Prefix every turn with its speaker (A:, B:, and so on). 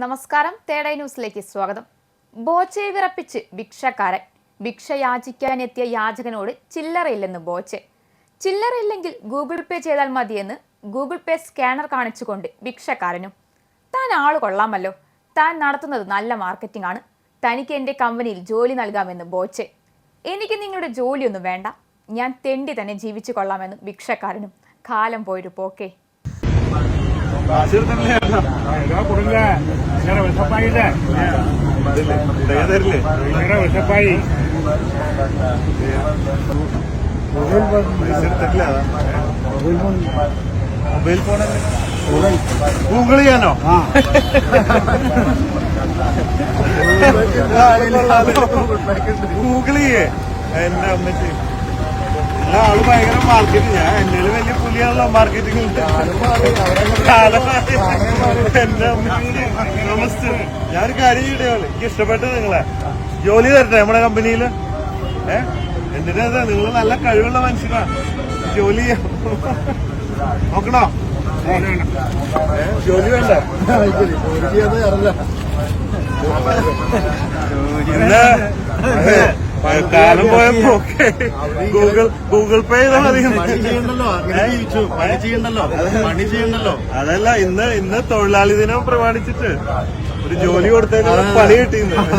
A: നമസ്കാരം, തേടൈ ന്യൂസിലേക്ക് സ്വാഗതം. ബോച്ചയെ വിറപ്പിച്ച് ഭിക്ഷക്കാരൻ. ഭിക്ഷ യാചിക്കാനെത്തിയ യാചകനോട് ചില്ലറയില്ലെന്ന് ബോച്ചെ. ചില്ലറയില്ലെങ്കിൽ ഗൂഗിൾ പേ ചെയ്താൽ മതിയെന്ന് ഗൂഗിൾ പേ സ്കാനർ കാണിച്ചുകൊണ്ട് ഭിക്ഷക്കാരനും. താൻ ആള് കൊള്ളാമല്ലോ, താൻ നടത്തുന്നത് നല്ല മാർക്കറ്റിംഗ് ആണ്, തനിക്ക് എൻ്റെ കമ്പനിയിൽ ജോലി നൽകാമെന്ന് ബോച്ചെ. എനിക്ക് നിങ്ങളുടെ ജോലിയൊന്നും വേണ്ട, ഞാൻ തെണ്ടി തന്നെ ജീവിച്ചു കൊള്ളാമെന്ന് ഭിക്ഷക്കാരനും. കാലം പോയൊരു പോക്കേ.
B: വിഷപ്പായി മൊബൈൽ ഫോണല്ലേ ഗൂഗിൾ ചെയ്യാനോ? ഗൂഗിൾ ചെയ്യേ എന്നെ അമ്മച്ചി. എല്ലാ ആള് ഭയങ്കര മാർക്കറ്റിംഗ്. ഞാൻ എന്നെ വലിയ പുലിയാണല്ലോ മാർക്കറ്റിംഗ്. എന്റെ അമ്മച്ചി നമസ്തേ. ഞാനൊരു കാര്യം ചെയ്യട്ടെ, എനിക്ക് ഇഷ്ടപ്പെട്ടത് നിങ്ങളെ ജോലി തരട്ടെ നമ്മുടെ കമ്പനിയില്. എന്തിനാ നിങ്ങൾ നല്ല കഴിവുള്ള മനുഷ്യനാ, ജോലി നോക്കണോ? ജോലി വേണ്ട. കാലം പോയപ്പോ ഗൂഗിൾ പേ ചെയ്താൽ മതി. അതല്ല, ഇന്ന് തൊഴിലാളി ദിനം പ്രമാണിച്ചിട്ട് ഒരു ജോലി കൊടുത്തതിനുള്ള പണി കിട്ടിയിരുന്നു.